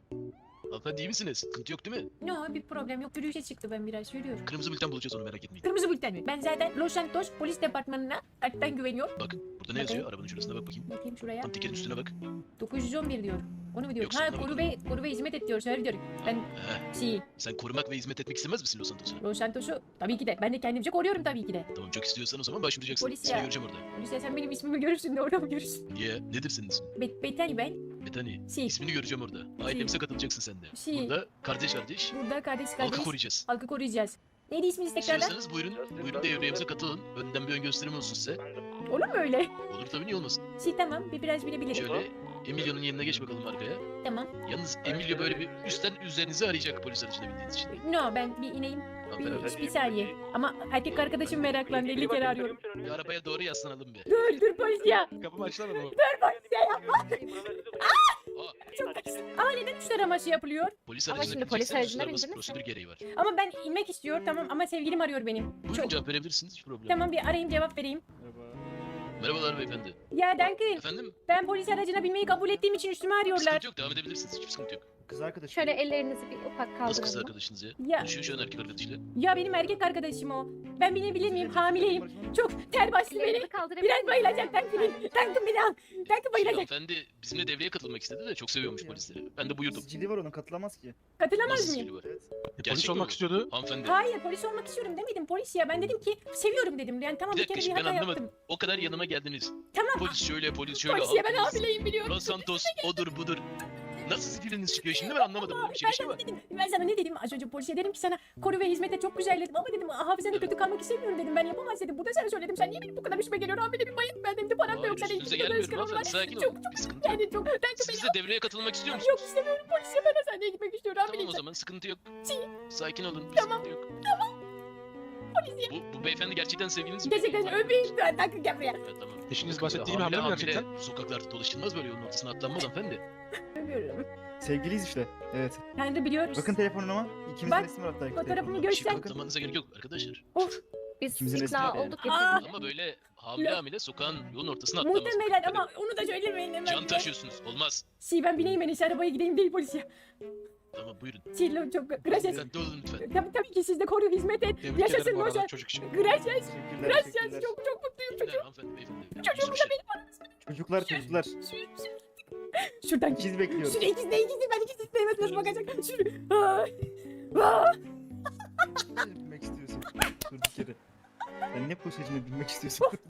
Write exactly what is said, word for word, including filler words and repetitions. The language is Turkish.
Hanımefendi iyi misiniz? Sıkıntı yok değil mi? No, bir problem yok. Yürüyüşe çıktı, ben biraz yürüyorum. Kırmızı bülten bulacağız onu, merak etmeyin. Kırmızı bülten mi? Ben zaten Los Santos Polis Departmanı'na kalpten güveniyorum. Bakın burada ne yazıyor? Arabanın şurasına bak bakayım. Bakayım şuraya. Tam tekerin üstüne bak. dokuz yüz on bir diyor. Onu mu diyor? Yoksa Ha, ona koru bakalım. ve, koru ve hizmet et diyor. Şöyle diyor. Ben Heh, şey, sen korumak ve hizmet etmek istemez misin Los Santos'a? Los Santos'u tabii ki de. Ben de kendimce koruyorum tabii ki de. Tamam, çok istiyorsan o zaman başvuracaksın. Polis Seni ya. göreceğim orada. Polis ya, sen benim ismimi görürsün de orada mı görürsün? Niye? Nedir senin ismin? Bet Betani ben. Betani. Şey. İsmini göreceğim orada. Ailemize katılacaksın sen de. Şey. Burada kardeş kardeş Burada kardeş kardeş. halkı koruyacağız. Halkı koruyacağız. Neydi isminiz tekrardan? İstiyorsanız buyurun, buyurun devreyemize katılın. Önden bir ön gösterim olsun size. Olur mu öyle? Olur tabii, niye olmasın? Şey tamam, bir biraz bilebilirim. Şöyle Emilio'nun yanına geç bakalım arkaya. Tamam. Yalnız Emilio böyle bir üstten üzerinizi arayacak polis aracına bindiğiniz için. No, ben bir ineyim. Hanımefendi, Bir, bir saniye. Ama erkek arkadaşım meraklandı. elli kere arıyorum. bir arabaya doğru yaslanalım bir. Dur dur polis ya. Kapımı açsana baba. Dur polis ya yapma. Aa, Çok Ama neden üç taraması yapılıyor? polis Ama aracına şimdi polis bineceksen aracına uluslararası bindiniz. prosedür gereği var. Ama ben inmek istiyor tamam ama sevgilim arıyor benim. Buyurun Çok... cevap verebilirsiniz, hiç problem. Tamam bir arayayım cevap vereyim. Merhabalar beyefendi. Ya Duncan Efendim? ben polis aracına binmeyi kabul ettiğim için üstüme arıyorlar. Sıkıntı yok, devam edebilirsiniz. Hiçbir sıkıntı yok. Kız arkadaşım. Şöyle ellerinizi bir ufak Nasıl kız kaldırın. arkadaşınız ya? Ya Konuşuyor şu an erkek arkadaşıyla. ya benim erkek arkadaşım o. Ben binebilir miyim? Hamileyim. Çok ter bastı beni. Ellerinizi kaldırabilir Biraz misiniz? bayılacak Duncan'ın. Duncan beni al. Duncan Şimdi bayılacak. hanımefendi bizimle devreye katılmak istedi de çok seviyormuş polisleri. Ben de buyurdum. Sicili var onun, katılamaz ki. Katılamaz Nasıl mıyım? sicili var? Evet. Gerçek Polis mi olmak bu? istiyordu. Hanımefendi. Hayır polis olmak istiyorum demedim polis ya. Ben dedim ki seviyorum dedim. Yani tamam Bir bir, dakika kere bir şimdi ben hata anlamadım. yaptım. O kadar yanıma geldiniz. Tamam Polis şöyle, polis şöyle. polis ya ben halkımız, hamileyim biliyorum. Los Santos odur budur. Nasıl siciliniz çıkıyor şimdi, ben anlamadım. Böyle bir şey, Ben bir şey sana var. dedim, ben sana ne dedim az önce polise dedim ki sana koru ve hizmete çok güzel dedim ama dedim hafızada kötü kalmak istemiyorum dedim ben yapamaz dedim. Bu da sana söyledim sen niye benim bu kadar üstüme geliyor hamile bir bayım ben dedim de param da yok Hayır, sen üstünüze iki kadar gelmiyorum ıskanım var. hanımefendi. Sakin Çok olun. çok Bir sıkıntı yok. yani çok ben Siz beni de devreye katılmak istiyor yok musunuz? istemiyorum polis ya ben hastaneye gitmek istiyorum Tamam o hamileyim. zaman sıkıntı yok. Şey- Sakin olun. Bir Tamam, sıkıntı yok. Polis ya. Bu, bu beyefendi gerçekten sevgiliniz mi? Gerçekten öpeyim ben dakika gel buraya. Evet, tamam. Eşiniz Bakın, bahsettiği gibi hamile hamile mi hamile gerçekten? sokaklarda dolaşılmaz, böyle yolun ortasına atlanmaz hanımefendi. Öpüyorum. Sevgiliyiz işte. Evet. Tanrı biliyor. Bakın telefonuma. İkimizin Bak, resmi var hatta. fotoğrafımı telefonumda. gör- Bir şey Sen- kanıtlamanıza gerek yok arkadaşlar. Of Biz İkimizin ikna resmi- olduk Aa. getirdik. Ama böyle hamile Ya. hamile sokağın yolun ortasına atlamaz. muhtemelen ama onu da söylemeyin hemen. Can taşıyorsunuz. Olmaz. Şey ben bineyim ben işte arabaya gideyim değil polis ya. Tamam buyurun. Şey lo- çok gracias. Dikkatli olun lütfen. Tabii tabii ki siz de koru hizmet et. Tebrik Yaşasın ederim bu Loşa. arada çocuk için. Gracias. Teşekkürler. Gracias. teşekkürler. Çok çok mutluyum Beyler, çocuğum. hanımefendi, beyefendi. Çocuğumu da Şey- benim. Çocuklar çocuklar. Şuradan İkiz bekliyoruz. Şuraya ikiz de ikiz de ben ikiz istemez nasıl bakacak. Şuraya. Ay. Aa. Bilmek istiyorsun. Durduk yere. Ben ne polisine bilmek istiyorsun?